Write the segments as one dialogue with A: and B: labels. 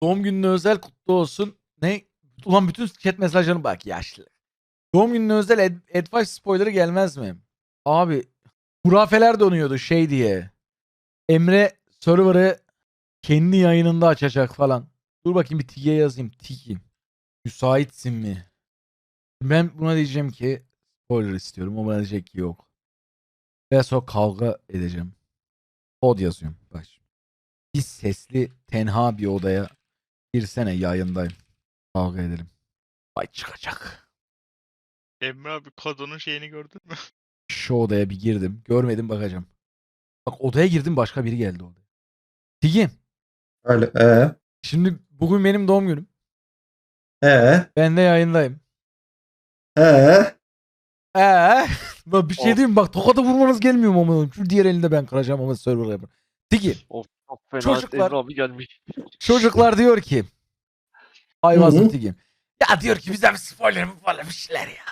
A: Doğum gününe özel kutlu olsun. Ne? Ulan bütün chat mesajlarına bak yaşlı. Doğum gününe özel advice spoiler'ı gelmez mi? Abi hurafeler donuyordu şey diye. Emre server'ı kendi yayınında açacak falan. Dur bakayım bir Tige'ye yazayım. Tigi. Müsaitsin mi? Ben buna diyeceğim ki spoiler istiyorum. O bana diyecek ki yok. Ve sonra kavga edeceğim. Kod yazıyorum. Bak. Bir sesli tenha bir odaya girsene yayındayım. Kavga edelim. Ay çıkacak.
B: Emre abi kadının şeyini gördün mü?
A: Şu odaya bir girdim. Görmedim bakacağım. Bak odaya girdim başka biri geldi odaya. Tigi.
C: Öyle.
A: Şimdi bugün benim doğum günüm.
C: Ee,
A: Ben de yayındayım.
C: ee.
A: Bak bir şey diyeyim mi? Bak tokada vurmanız gelmiyor mu amına? Şu diğer elinde ben kıracağım ama server'a yapın. Tigi.
D: Of çok fena
A: Çocuklar-
D: Emre abi gelmiş.
A: Çocuklar diyor ki.
C: Hı
A: Ayvazlı
C: hı.
A: Tigi. Ya diyor ki bize bir spoiler mı falan bir şeyler ya.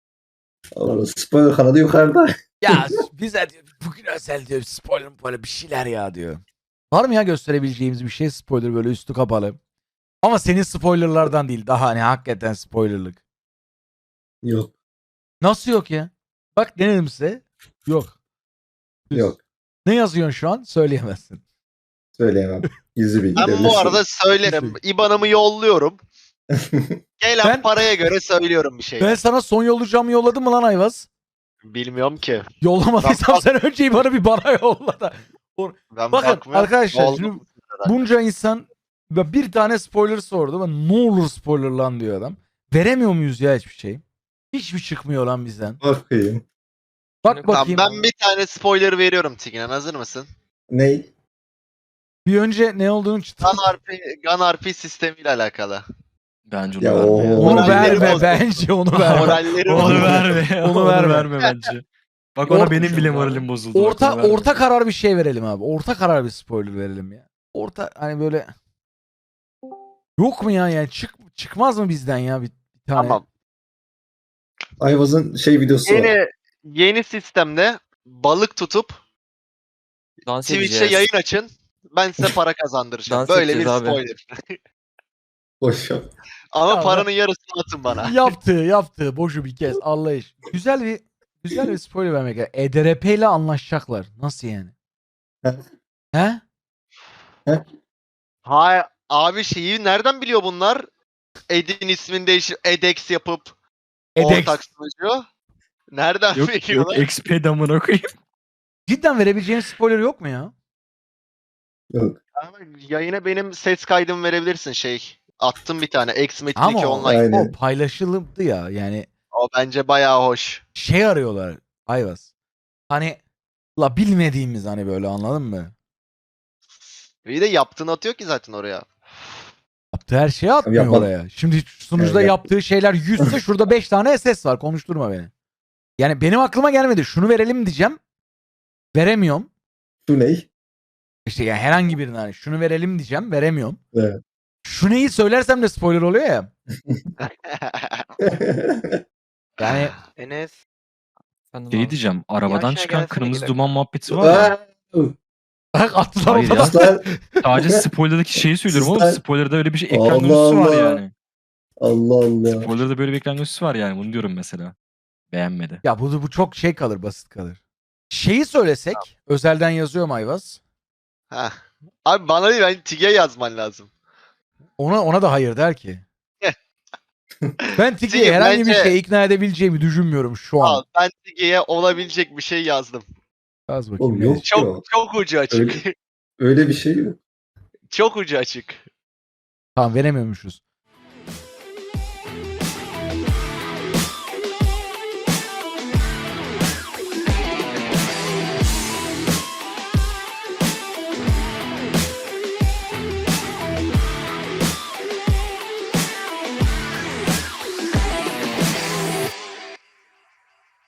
C: O spoiler kanadı yukarıda.
A: Ya bize diyor bugün özel diyor spoiler böyle bir şeyler ya diyor. Var mı ya gösterebileceğimiz bir şey spoiler böyle üstü kapalı. Ama senin spoilerlardan değil daha hani hakikaten spoilerlık.
C: Yok.
A: Nasıl yok ya? Bak denedim size. Yok.
C: Yok.
A: Ne yazıyorsun şu an? Söyleyemezsin.
C: Söyleyemem. Gizli bilgi.
B: Ben
C: devlet
B: bu
C: sırrı.
B: arada söylerim. IBAN'ımı yolluyorum. Gelen
A: Ben-
B: paraya göre söylüyorum bir şey.
A: Ben sana son yollayacağımı yolladım mı lan Ayvaz?
B: Bilmiyorum ki.
A: Yollamadıysam
B: Bak-
A: sen önce bana yolla da.
B: Ben
A: Bakın
B: bakmıyorum.
A: arkadaşlar
B: Oldu
A: şimdi
B: mu herhalde?
A: bunca insan bir tane spoiler sordu ama ne olur spoiler lan diyor adam. Veremiyor muyuz ya hiçbir şey? Hiçbir çıkmıyor lan bizden.
C: Bakayım.
A: Bak
D: Tamam,
B: Tamam,
A: bakayım.
B: ben bir tane spoiler veriyorum Tigran. Hazır mısın?
C: Ney?
A: Bir önce ne olduğunu çıtır.
B: Gun RP sistemiyle alakalı.
E: Bence onu
C: Ya
E: verme. ya.
A: Onu
B: Moralleri
A: verme
B: bozdu.
A: bence onu verme.
B: Moralleri
E: Onu
B: bozuldu.
E: verme.
A: Onu
E: Onu
A: verme.
E: verme bence. Bak ona
A: Orta-
E: benim bile moralim bozuldu. Bak,
A: Orta
E: onu verme.
A: orta karar bir şey verelim abi. Orta karar bir spoiler verelim ya. Orta hani böyle yok mu ya yani çıkmaz mı bizden ya bir tane?
B: Tamam.
C: Ayvaz'ın şey videosu var.
B: Yeni sistemde balık tutup
D: Dans
B: Twitch'te
D: edeceğiz.
B: yayın açın. Ben size para kazandıracağım.
D: Dans
B: Böyle bir
D: edeceğiz abi.
B: spoiler.
C: Boş yap.
B: Ama
A: Ya
B: paranın yarısını atın bana.
A: Yaptığı boşu bir kez Allah iş. Güzel bir spoiler vermek lazım. EDRP ile anlaşacaklar. Nasıl yani? He?
B: Hayır abi şeyi nereden biliyor bunlar? Ed'in ismini değişip Edex yapıp
A: Edex.
B: ortak sunucu. Nereden
E: Yok
B: biliyorlar?
E: XP damına koyayım.
A: Cidden verebileceğim spoiler yok mu ya?
C: Yok.
B: Ama yayına benim ses kaydımı verebilirsin şey. Attım bir tane. X-Metin
A: Ama
B: 2
A: o,
B: online.
C: Aynen.
A: o paylaşıldı ya yani
B: O bence bayağı hoş.
A: şey arıyorlar Ayvaz. Hani la bilmediğimiz hani böyle anladın mı?
B: Bir de yaptığını atıyor ki zaten oraya.
A: Yaptığı her şeyi atmıyor
C: Yapma-
A: oraya. Şimdi sunucuda
C: Evet,
A: yaptığı şeyler 100 ise şurada 5 tane SS var. Konuşturma beni. Yani benim aklıma gelmedi. Şunu verelim diyeceğim. Veremiyorum.
C: Şu ney?
A: İşte yani herhangi birine hani şunu verelim diyeceğim. Veremiyorum.
C: Evet.
A: Şu neyi söylersem de spoiler oluyor ya. Yani
D: Enes. Efendim
E: Şey
D: abi.
E: diyeceğim. Arabadan
D: aşağı
E: çıkan
D: gelsene
E: kırmızı
D: gidelim.
E: duman muhabbeti var ya.
A: attılar
E: Hayır
A: ortadan.
C: Aslan.
E: Sadece spoiler'daki şeyi söylüyorum ama
C: Sizden-
E: spoiler'da öyle bir şey ekran
C: Allah
E: görüntüsü var
C: Allah.
E: yani.
C: Allah Allah.
E: Spoiler'da böyle bir ekran görüntüsü var yani. Bunu diyorum mesela. Beğenmedi.
A: Ya bu çok şey kalır, basit kalır. Şeyi söylesek, özelden yazıyorum Ayvaz.
B: Heh. Abi bana değil, ben Tig'e yazman lazım.
A: Ona da hayır der ki. Ben Tigi'ye
B: Tigi,
A: herhangi bir
B: bence-
A: şey ikna edebileceğimi düşünmüyorum şu an.
B: Al, ben Tig'e olabilecek bir şey yazdım.
A: Yaz bakayım.
C: Oğlum
A: ne
C: yok
A: yazıyor.
B: Çok
C: yok.
B: çok ucu açık.
C: Öyle bir şey yok.
B: Çok ucu açık.
A: Tamam veremiyormuşuz.